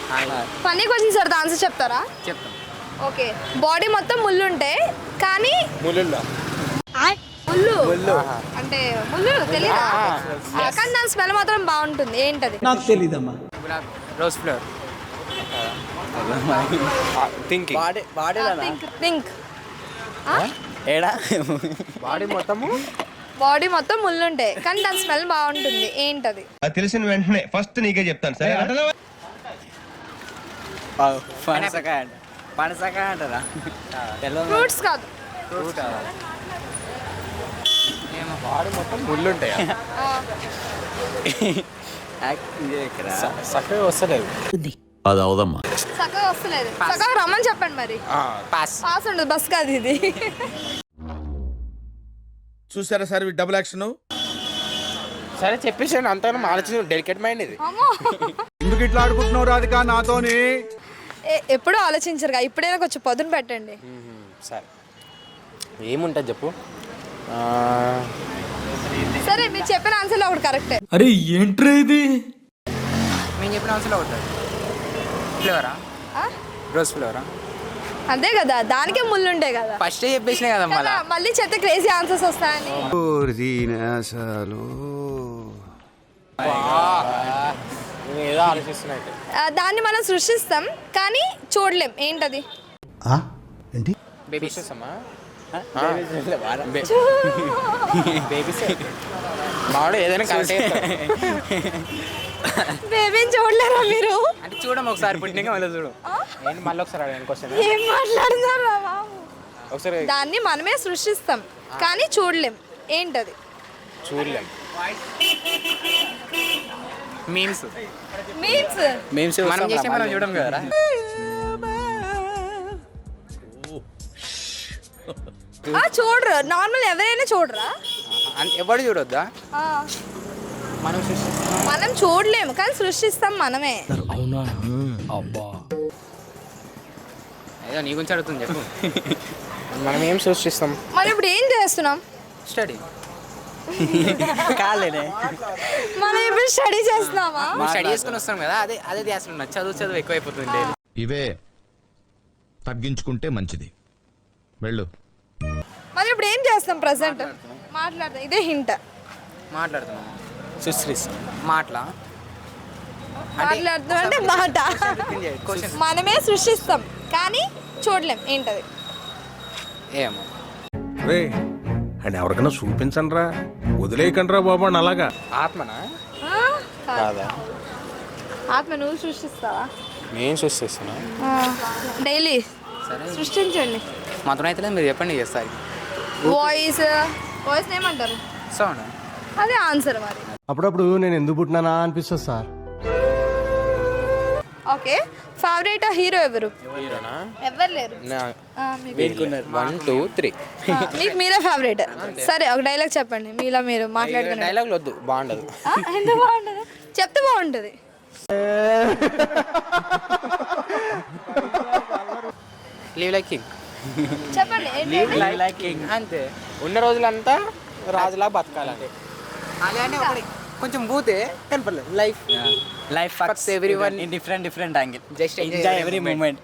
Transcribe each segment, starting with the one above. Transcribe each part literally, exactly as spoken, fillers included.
Funny questions అడితే answer చెప్తారా? చెప్తాం. ఓకే. బాడీ మొత్తం ముళ్ళు ఉంటాయి కానీ ముళ్ళుల్లో ముళ్ళు అంటే ముళ్ళు తెలీదా? కానీ దాని స్మెల్ మాత్రం బాగుంటుంది. ఏంటది? నాకు తెలీదమ్మా. గులాబ్ రోజ్ ఫ్లవర్. థింకింగ్ బాడీ బాడీలో థింక్ థింక్ ఏడా బాడీ మొత్తము బాడీ మొత్తం ముళ్ళు ఉంటాయి కానీ దాని స్మెల్ బాగుంటుంది. ఏంటది? అది తెలిసిన వెంటనే ఫస్ట్ నీకే చెప్తాను సరే. పనసకాయ అంట పనసకాయ అంటారా? ఫ్రూట్స్ కాదు. బాడీ మొత్తం ముళ్ళు ఉంటాయి. చక్కగా వస్తలేదు. అది అవదమ్మా. చక్కగా వస్తలేదు. చక్కగా రమ్మని చెప్పండి మరి. పాస్. పాస్ ఉండదు. బస్ కాదు ఇది. చూసారా సార్ డబుల్ యాక్షన్. సరే చెప్పేసాను అంతా ఆలోచన. డెలికేట్ మైండ్ ఇది. అమ్మో, ఎందుకు ఇట్లా ఆడుకుంటున్నావు రాధిక నాతోని? ఏ- ఎప్పుడూ ఆలోచించరుగా. ఇప్పుడైనా కొంచెం పొద్దున పెట్టండి. సరే ఏముంటుంది చెప్పు. సరే మీరు చెప్పిన ఆన్సర్లో ఒకటి కరెక్టే. అరే ఏంట్రా ఇది? మేము చెప్పిన ఆన్సర్లో ఉంటుంది. ఫ్లేవరా? రోజ్ ఫ్లేవరా? అంతే కదా, దానికే ముళ్ళు ఉంటాయి కదా. ఫస్ట్ చెప్పేసినా కదా మళ్ళీ. కదా, మళ్ళీ చెత్త క్రేజీ ఆన్సర్స్ వస్తాయని. ఏదో ఆలోచిస్తున్నా. ఆ, దాన్ని మనం సృష్టిస్తాం కానీ చూడలేం. ఏంటది? ఏంటి? బేబీస్ అమ్మా. బేబీస్ మావాడు ఏదైనా కరెక్ట్. బేబీని చూడలేరా మీరు? అంటే చూడము ఒకసారి పుట్టినాక మళ్ళీ చూడు. ఏంటి మళ్ళీ ఒకసారి అడగండి క్వశ్చన్. ఏం మాట్లాడుతున్నారా బాబు? ఒకసారి దాన్ని మనమే సృష్టిస్తాం కానీ చూడలేం. ఏంటది? చూడలేం. మీమ్స్. మీన్స్ మేమ్స్ మనం చేసే మనం చూడం కదరా. ఆ చూడరు. నార్మల్ ఎవరైనా చూడరా? ఎవరు చూడొద్దా? ఆ, మనం సృష్టిస్తాం. మనం చూడలేము కానీ సృష్టిస్తాం మనమే. అవునా? అబ్బా. ఏదో నీ గురించి అడుగుతుంది చెప్పు. మనం ఏం సృష్టిస్తాం? మరి ఇప్పుడు ఏం చేస్తున్నాం? స్టడీ. కాలేనే మనం ఇప్పుడు స్టడీ చేస్తున్నామా? స్టడీ చేసుకుని వస్తాం కదా, అదే అదే ధ్యాస ఉన్నది. చదువు చదువు ఎక్కువైపోతుంది. ఇవే తగ్గించుకుంటే మంచిది. వెళ్ళు. మరి ఇప్పుడు ఏం చేస్తాం? ప్రెసెంట్ మాట్లాడతాం. ఇదే హింట్. మాట్లాడుతున్నాం. సృష్టిస్తాం మాటలా? మాట్లాడుతాం అంటే మాట. మనమే సృష్టిస్తాం కానీ చూడలేం. ఏంటది? ఏమో. రే అని ఎవరికైనా చూపించండి రా, వదిలేయకండి రా బాబు అని. అలాగా ఆత్మనా? ఆ? కాదు. కాదా? ఆత్మ నువ్వు సృష్టిస్తావా? నేను సృష్టిస్తున్నా. డైలీ సృష్టించండి. మాత్రం అయితే మీరు చెప్పండి చేస్తారు. వాయిస్ వాయిస్ ఏమంటారు? సౌండ్. అదే ఆన్సర్ మరి. అప్పుడప్పుడు నేను ఎందుకు పుట్టినానా అనిపిస్తుంది సార్. ఓకే. ఫేవరెట్ హీరో ఎవరు? హీరోనా? ఎవరు లేరు. ఆ, మీకు. One two three. ఆ, మీకు మీరే ఫేవరెట్. సరే ఒక డైలాగ్ చెప్పండి. మీలా మీరు మాట్లాడుకునే. డైలాగ్ వద్దు, బాగుండదు. ఆ, ఎందుకు బాగుంటుంది? చెప్తే బాగుంటుంది. Live like king. చెప్పండి. ఏంటి? అంతే. ఉన్న రోజులంతా రాజులా బతకాలంటే. అలానే ఒకటి కొంచెం బూతే కనపడలేదు. Life life fucks everyone in different different angle. Just enjoy every moment.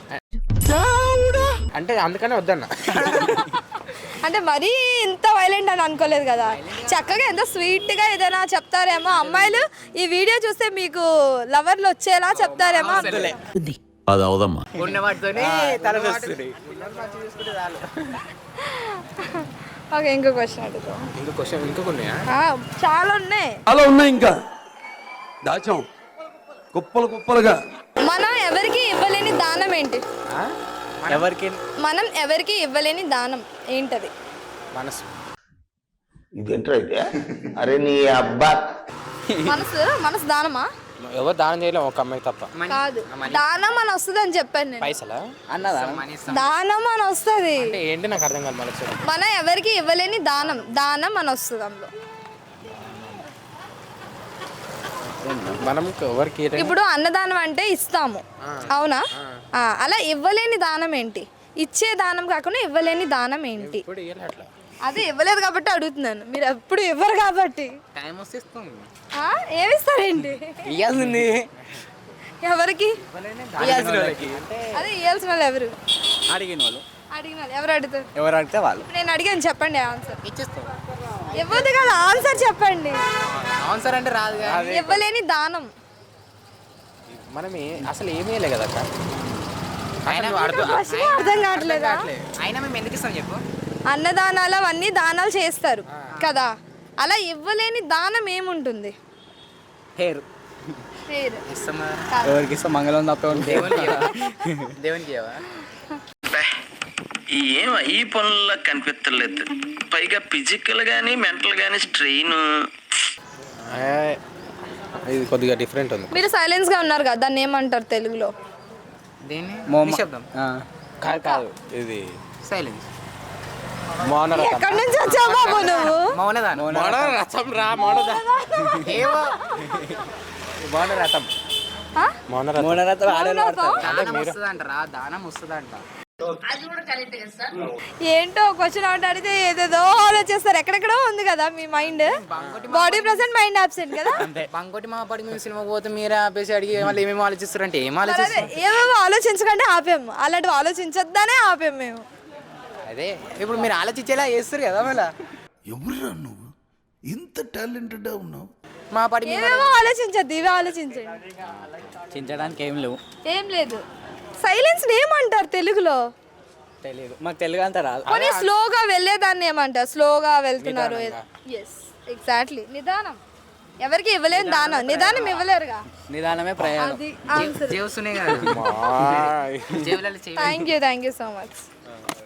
అంటే అందుకనే వద్దన్న. అంటే మరీ ఇంత వైలెంట్ అని అనుకోలేదు కదా. చక్కగా ఎంత స్వీట్ గా ఏదైనా చెప్తారేమో. అమ్మాయిలు ఈ వీడియో చూస్తే మీకు లవర్లు వచ్చేలా చెప్తారేమో. అందులే అది అవదమ్మా. ఉన్న వాటితోనే తల వస్తుంది. ఓకే. ఇంకో క్వశ్చన్ అడుగుతాం. ఇంకో క్వశ్చన్ ఇంకొక ఉన్నాయా? ఆ, చాలా ఉన్నాయి. అలా ఉన్నాయి ఇంకా దాచాం కుప్పలు కుప్పలుగా. మనం ఎవరికి ఇవ్వలేని దానం ఏంటి? ఎవరికి మనం ఎవరికి ఇవ్వలేని దానం ఏంటది? మనసు. ఇదేంట్రా అయితే? అరే నీ అబ్బా. మనసు మనసు దానమా? ఎవరు దానం చేయలేము ఒక అమ్మాయి తప్ప. కాదు, దానం అని వస్తుంది అని చెప్పాను నేను. పైసలా? అన్నదా? దానం అని వస్తుంది. అంటే ఏంటి నాకు అర్థం కాదు. మనసు మనం ఎవరికి ఇవ్వలేని దానం. దానం అని వస్తుంది అందులో. మనం ఎవరికి ఇప్పుడు అన్నదానం అంటే ఇస్తాము, అవునా? ఆ, అలా ఇవ్వలేని దానం ఏంటి? ఇచ్చే దానం కాకుండా ఇవ్వలేని దానం ఏంటి? అదే ఇవ్వలేదు కాబట్టి అడుగుతున్నాను. మీరు ఎప్పుడు ఇవ్వరు కాబట్టి. టైం వస్తే ఇస్తాం. ఏమిస్తారేంటి? ఇవ్వాల్సింది ఎవరికి ఇయ్యాల్సిన వాళ్ళకి. అదే ఇవ్వాల్సిన వాళ్ళు ఎవరు అడిగిన వాళ్ళు అడిగిన వాళ్ళు ఎవరు అడుగుతారు ఎవరు అడిగితే వాళ్ళు నేను అడిగాను చెప్పండి ఆన్సర్ ఇచ్చేస్తాం. ఇవ్వదు కదా ఆన్సర్ చెప్పండి ఆన్సర్ అంటే రాదు కదా. ఇవ్వలేని దానం మనం ఏ- అసలు ఏమీ లేదు కదా అక్క. అయినా ఫస్ట్ అర్థం కావట్లేదా అయినా మేము ఎందుకు ఇస్తాం చెప్పు. అన్నదానాలు అవన్నీ దానాలు చేస్తారు కదా అలా ఇవ్వలేని దానం ఏముంటుంది హెయిర్ పేరు ఇస్తాం ఎవరికి ఇస్తాం మంగళం తప్ప దేవునికి దేవునికి ఇవ్వవా? ఏం ఈ పనుల్లో కనిపించలేదు పైగా ఫిజికల్ గానీ మెంటల్ గానీ స్ట్రెయిన్. ఏ, ఇది కొద్దిగా డిఫరెంట్ ఉంది. మీరు సైలెన్స్ గా ఉన్నారు కదా దాన్ని ఏమంటారు తెలుగులో దీన్ని మోమ. నిశ్శబ్దం. కాదు కాదు ఇది సైలెన్స్. మౌనరథం. ఎక్కడి నుంచి వచ్చావు బాబు నువ్వు మౌనదానం. మౌనరథం రా మౌనదానం. ఏవో మౌనరథం. ఆ? మౌనరథం. మోనరథం ఆడవాళ్ళు మౌనరథం? దానం వస్తుందంట రా దానం వస్తుందంట. ఏంటో క్వశ్చన్ అవుట్ అడిగితే ఏదేదో ఆలోచిస్తారు ఎక్కడెక్కడో ఉంది కదా మీ mind body present mind absent కదా బంకోటి మా పడి మేము సినిమాకి పోతే మీరే ఆపేసి అడిగి మళ్ళీ ఏమేమి ఆలోచిస్తారంటే ఏం మరి అదే ఆలోచిస్తారు? ఏమేమో ఆలోచించకంటే ఆపాము అలాంటివి ఆలోచించొద్దనే ఆపాము మేము అదే ఇప్పుడు మీరు ఆలోచించేలా చేస్తారు కదా మళ్ళీ. ఎవరురా నువ్వు ఇంత టాలెంటెడ్ ఉన్నావు? మా పడి మేము ఏమేమో ఆలోచించద్దు ఇవి ఆలోచించండి చించడానికి ఏం లేవు ఏం లేదు సైలెన్స్ ఏమంటారు తెలుగులో తెలియదు మాకు తెలుగు అంతా రాదు కొన్ని స్లోగా వెళ్ళేదాన్ని ఏమంటారు స్లోగా వెళ్తున్నారు ఎస్ ఎగ్జాక్ట్లీ నిదానం ఎవరికి ఇవ్వలేని దానం నిదానం ఇవ్వలేరుగా నిదానమే ప్రయాణం అది ఆన్సర్ చేస్తున్నాయి కదా. Thank you thank you so much